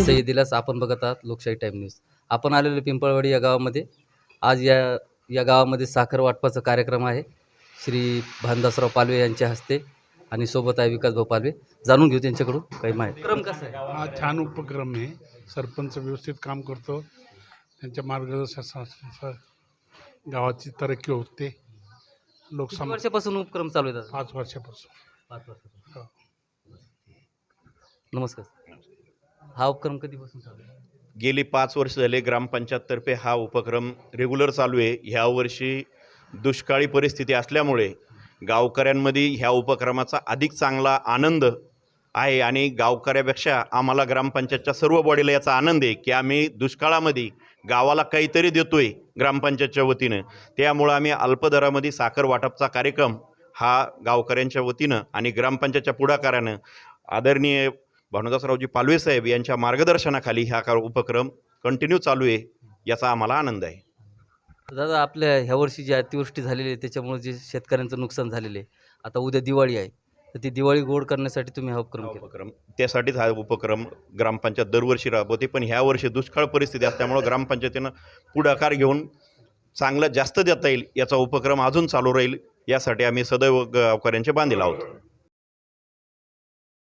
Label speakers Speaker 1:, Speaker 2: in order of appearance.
Speaker 1: मी सह्य दिल्यास आपण बघत आहात लोकशाही टाईम न्यूज. आपण आलेलो पिंपळवाडी या गावामध्ये. आज या गावामध्ये साखर वाटपाचा कार्यक्रम आहे. श्री भानदासराव पालवे यांच्या हस्ते आणि सोबत आहे विकासभाऊ पालवे. जाणून घेऊ त्यांच्याकडून काही माहिती. क्रम कसा आहे?
Speaker 2: हा छान उपक्रम आहे. सरपंच व्यवस्थित काम करतो. त्यांच्या मार्गदर्शनानुसार गावाची तरक्की होते.
Speaker 1: किती वर्षापासून उपक्रम चालू आहे दादा?
Speaker 2: 5 वर्षापासून.
Speaker 1: 5 वर्षापासून.
Speaker 2: हो.
Speaker 1: नमस्कार. हा उपक्रम कधीपासून चालू आहे?
Speaker 3: गेली 5 वर्ष झाले ग्रामपंचायततर्फे हा उपक्रम रेग्युलर चालू आहे. ह्या वर्षी दुष्काळी परिस्थिती असल्यामुळे गावकऱ्यांमध्ये ह्या उपक्रमाचा अधिक चांगला आनंद आहे आणि गावकऱ्यापेक्षा आम्हाला ग्रामपंचायतच्या सर्व बॉडीला याचा आनंद आहे की आम्ही दुष्काळामध्ये गावाला काहीतरी देतोय ग्रामपंचायतच्या वतीनं. त्यामुळं आम्ही अल्पदरामध्ये साखर वाटपचा कार्यक्रम हा गावकऱ्यांच्या वतीनं आणि ग्रामपंचायतच्या पुढाकारानं आदरणीय भानुदासरावजी पालवे साहेब यांच्या मार्गदर्शनाखाली हा उपक्रम कंटिन्यू चालू आहे. याचा आम्हाला आनंद आहे.
Speaker 1: दादा, आपल्या ह्या वर्षी जी अतिवृष्टी झालेली आहे त्याच्यामुळे जे शेतकऱ्यांचं नुकसान झालेलं आहे, आता उद्या दिवाळी आहे, तर ती दिवाळी गोड करण्यासाठी तुम्ही हा उपक्रम केला.
Speaker 3: त्यासाठीच हा उपक्रम ग्रामपंचायत दरवर्षी राबवते. पण ह्या वर्षी दुष्काळ परिस्थिती असल्यामुळं ग्रामपंचायतीनं पुढाकार घेऊन चांगलं जास्त देता येईल याचा उपक्रम अजून चालू राहील यासाठी आम्ही सदैव गावकऱ्यांचे बांधील आहोत.